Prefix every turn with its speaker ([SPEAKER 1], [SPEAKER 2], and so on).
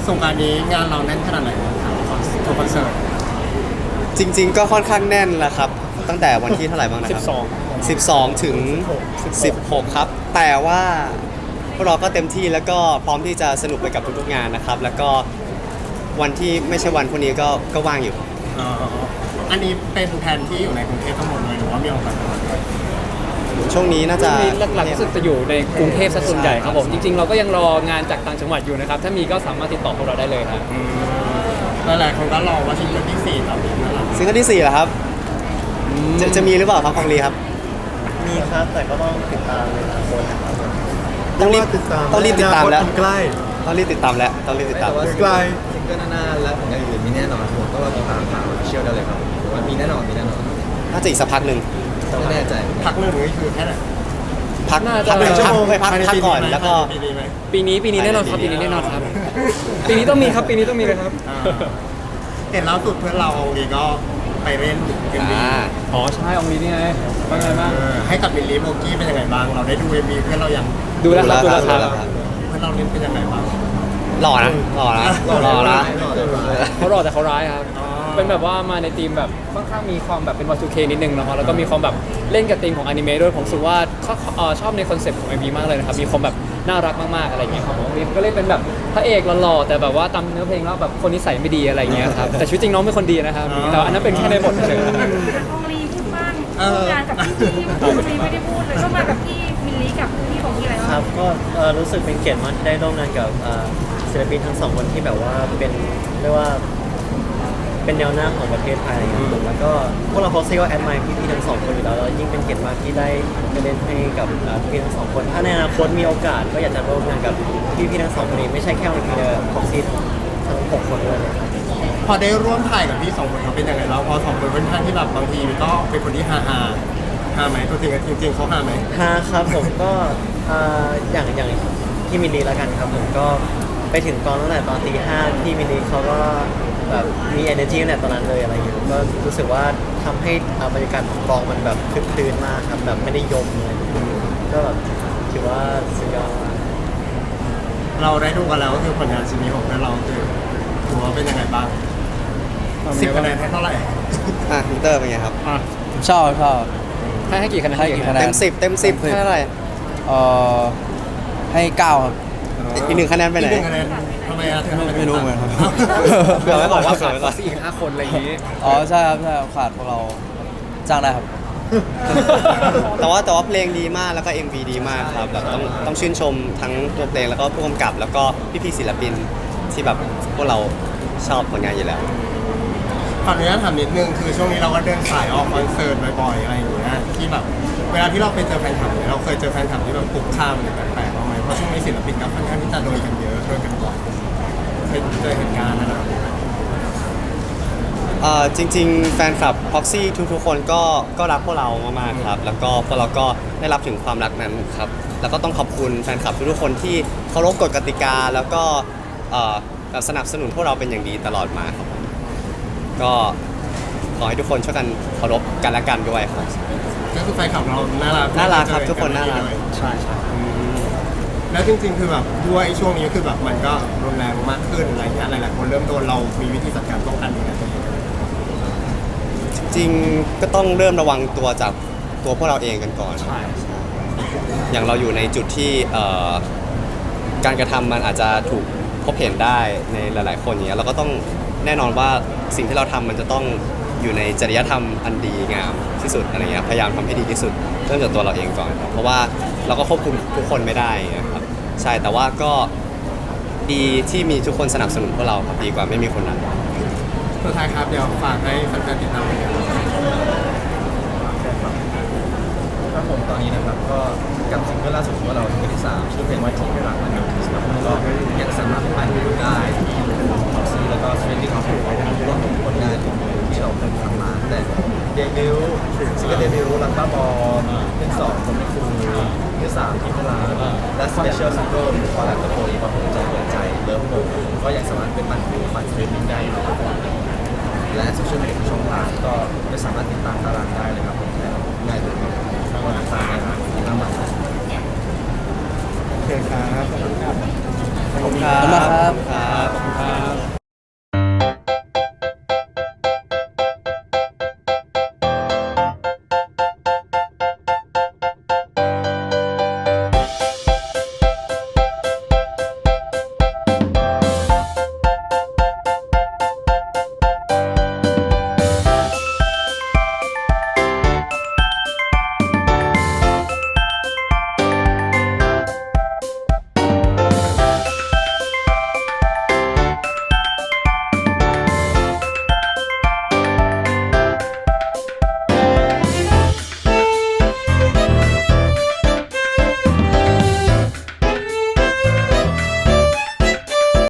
[SPEAKER 1] สงกรานต์นี้งานเราแน่นขนาดไหนครับทัวร์คอนเสิร์ต
[SPEAKER 2] จริงๆก็ค่อนข้างแน่นแหละครับตั้งแต่วันที่เท่าไหร่บ้างนะครับ12ถึง16ครับแต่ว่าพวกเราก็เต็มที่แล้วก็พร้อมที่จะสนุกไปกับทุกๆงานนะครับแล้วก็วันที่ไม่ใช่วันพวกนี้ก็ว่างอยู่
[SPEAKER 1] อันนี้เป็นแผนที่อยู่ในกรุงเทพทั้งหมดเลยหรือว่ามีโอกาสไปด้วย
[SPEAKER 2] ช่วงนี้น่าจะ
[SPEAKER 3] หลักๆรู้สึกจะอยู่ในกรุงเทพซะส่วนใหญ่ครับผมจริงๆเราก็ยังรองานจากต่างจังหวัดอยู่นะครับถ้ามีก็สามารถติดต่อพวกเราได้เลยครับ
[SPEAKER 1] หลายๆคนก็รอว่าซิงเกิลที่4ต่อไปนะครับ
[SPEAKER 2] ซิงเกิลที่4เหรอครับจะมีหรือเปล่าครับของลีครับ
[SPEAKER 4] มีครับแต่ก็ต้องติดตามในอนาคตนะครับ
[SPEAKER 2] ต้องรีบติดตามแล้ว
[SPEAKER 4] ใกล้
[SPEAKER 2] ต้องรีบติดตามแล้ว
[SPEAKER 4] ใกล้ซิงเกิลหน้าและผลงานอื่นมีแน่นอนผมก็รอติดตามทางเชียลได้เลยครับมันมีแน่นอน
[SPEAKER 2] น่าจะอีกสักพักหนึ่ง
[SPEAKER 4] ไม่แน่ใจ
[SPEAKER 1] พักหนึ่งหรือคือแค่ไหน
[SPEAKER 2] พัก1 ชั่วโมงพักก่อนแล้วก็
[SPEAKER 3] ปีนี้แน่นอนครับปีนี้แน่นอนครับปีนี้ต้องมีครับปีนี้ต้องมีเลยครับ
[SPEAKER 1] เห็นล่าสุดเพื่อนเราองลีก็ไปเล่นเอ็มวี
[SPEAKER 3] อ๋อใช่องลีนี่ไงเป็นไงบ้าง
[SPEAKER 1] ให้กับมิลลี่โบกี้เป็นยังไงบ้างเราได้ดูเอ็มวีเพื่อนเรายัง
[SPEAKER 3] ดูแล้วครับ
[SPEAKER 1] เพื่อนเราเล่นเป็นยังไงบ้าง
[SPEAKER 2] หล่อนะเขา
[SPEAKER 3] หล่อแต่เขาร้ายครับเป็นแบบว่ามาในธีมแบบค่อนข้างมีความแบบเป็น Y2K นิดนึงนะครับแล้วก็มีความแบบเล่นกับธีมของอนิเมะด้วยผมรู้สึกว่าชอบในคอนเซ็ปต์ของ MV มากเลยนะครับมีความแบบน่ารักมากๆอะไรอย่างเงี้ยครับผมก็เล่นเป็นแบบพระเอกหล่อๆแต่แบบว่าตามเนื้อเพลงแล้วแบบคนนิสัยไม่ดีอะไรอย่างเงี้ยครับแต่ชีวิตจริงน้องเป็นคนดีนะครับแต่อันนั้นเป็นแค่ในบทเฉย
[SPEAKER 5] องลีพูดบ้างงานกับพี่องลีไม่ได้พูดเลยก็มากับพี่มิลลี่กับพี่ของพี่อะไรบ้าง
[SPEAKER 4] ครับก็รู้สึกเป็นเกียรติมากที่ได้ร่วมงานกับศิลปินทั้งสองคนที่แบบว่าเป็นเรียกว่าเป็นแนวหน้าของประเทศไทยครับแล้วก็พวกเราโพสต์ก็แอดไมร์พี่ๆทั้งสองคนอยู่แล้วแล้วยิ่งเป็นเกียรติมากที่ได้เล่นให้กับพี่ทั้งสองคนถ้าในอนาคตมีโอกาสก็อยากจะร่วมงานกับพี่ๆทั้งสองคนนี้ไม่ใช่แค่วันนี้เลยพ็อกซี่ทั้ง6 คนเลย
[SPEAKER 1] พอได้ร่วมถ่ายกับพี่2 คนเขาเป็นยังไงเราพอ2 คนเป็นท่านที่แบบบางทีก็เป็นคนที่ฮาไหมตัวจริงเขาฮาไหม
[SPEAKER 4] ฮาครับผมก็อย่างพี่มิลลีแล้วกันครับผมก็ไปถึงกองตั้งแต่ตอนตี 5พี่มิลลีเขาก็แบบมี energy ตั้งแต่ตอนนั้นเลยอะไรอย่างเงี้ยก็รู้สึกว่าทำให้บรรยากาศของกองมันแบบคึกคืนมากครับแบบไม่ได้ยมเลยก็แบบถือว่าสุดยอดมาก
[SPEAKER 1] เราได้ดูกันแล้วก็คือผลงานชิ้นนี้ของเราคือถือว่าเป็นยังไงบ้าง10 คะแนนให้เท่าไหร่
[SPEAKER 2] มิเตอร์เป็นไงครับ
[SPEAKER 3] ชอบให้กี่คะแนน
[SPEAKER 2] เต็ม10ให้เท่าไหร่
[SPEAKER 6] ให้9ครับ
[SPEAKER 2] อีก1 คะแนนไปไหน
[SPEAKER 1] ทำไมอะ
[SPEAKER 6] ไม่รู้เหมือนกัน
[SPEAKER 2] เผื่อไว้บอกว่า
[SPEAKER 3] ขาด4-5 คนอะไรอย่างนี้
[SPEAKER 6] อ๋อใช่ครับขาดพวกเราจ้างได้ครับ
[SPEAKER 2] แต่ว่าเพลงดีมากแล้วก็ MV ดีมากครับแบบต้องชื่นชมทั้งตัวเพลงแล้วก็ผู้กำกับแล้วก็พี่ๆศิลปินที่แบบพวกเราชอบผลงานอยู่แล้ว
[SPEAKER 1] ขออนุญาตถามนิดนึงคือช่วงนี้เราก็เดินสายออกคอนเสิร์ตบ่อยๆอะไรอย่างเงี้ยที่แบบเวลาที่เราไปเจอแฟนคลับเราเคยเจอแฟนคลับที่แบบคุกคามหรือแปลกๆบ้างไหมเพราะช่วงนี้ศิลปินก็ค่อนข้างที่จะโดนกันเยอะโดนกันบ่อยเคยเจอเหตุการณ์อะไรแบบนี้
[SPEAKER 2] จริงๆแฟนคลับ Proxy ทุกๆคนก็รักพวกเรามากๆครับแล้วก็พวกเราก็ได้รับถึงความรักนั้นครับแล้วก็ต้องขอบคุณแฟนคลับทุกๆคนที่เคารพกฎกติกาแล้วก็สนับสนุนพวกเราเป็นอย่างดีตลอดมาครับผมก็ขอให้ทุกคนช่วยกันเคารพกันและกันด้วยครับ
[SPEAKER 1] ก็คือแฟนคลับเราน่า
[SPEAKER 2] รักครับทุกคนน่ารัก
[SPEAKER 1] ใช่แล้วจริงๆคือแบบด้วยช่วงนี้คือแบบมันก็รุนแรงมากขึ้นอะไรอย่างเงี้ยหลายๆคนเริ่มโดนเรามีวิธีจัดการป้องกันยังไง
[SPEAKER 2] จริงก็ต้องเริ่มระวังตัวจากตัวพวกเราเองกันก่อนอย่างเราอยู่ในจุดที่การกระทำมันอาจจะถูกพบเห็นได้ในหลายๆคนอย่างเงี้ยเราก็ต้องแน่นอนว่าสิ่งที่เราทำมันจะต้องอยู่ในจริยธรรมอันดีงามที่สุดอะไรเงี้ยพยายามทำให้ดีที่สุดเริ่มจากตัวเราเองก่อนเพราะว่าเราก็ควบคุมทุกคนไม่ได้นะครับใช่แต่ว่าก็ดีที่มีทุกคนสนับสนุนพวกเราครับดีกว่าไม่มีคนนั้น
[SPEAKER 1] สุดท้ายครับเดี๋ยวฝากให้แฟนๆติดตามกัน
[SPEAKER 4] ครับผมตอนนี้นะครับก็กับซิงเกิลล่าสุดของเราซิงเกิลที่3ชื่อเพลงว่าที่ไม่รักนะครับก็ยังสามารถไปดูได้ที่ท็อกซี่แล้วก็สเปนดิ้งของผมรวมถึงผลงานที่เราเคยทำมาแต่เดบิวต์ซิงเกิลเดบิวต์รักบ้าบอเป็น2คนไม่คูที่3ที่พลาและสเปเชียลซิงเกิลคอลแลบกับโปรอีประผมใจเปิดใจเริ่มโมก็ยังสามารถเป็นปั่นวิวปั่นสตรีมมิ่งได้นะครับและโซเชียลมีเดียช่องทางก็ไม่สามารถติดตามตารางได้เลยครับผมง่ายเลยครับวันอังคารนะครับที่น้ำมัน
[SPEAKER 1] โอเคครับขอบคุณครับ
[SPEAKER 2] ขอบคุณครับ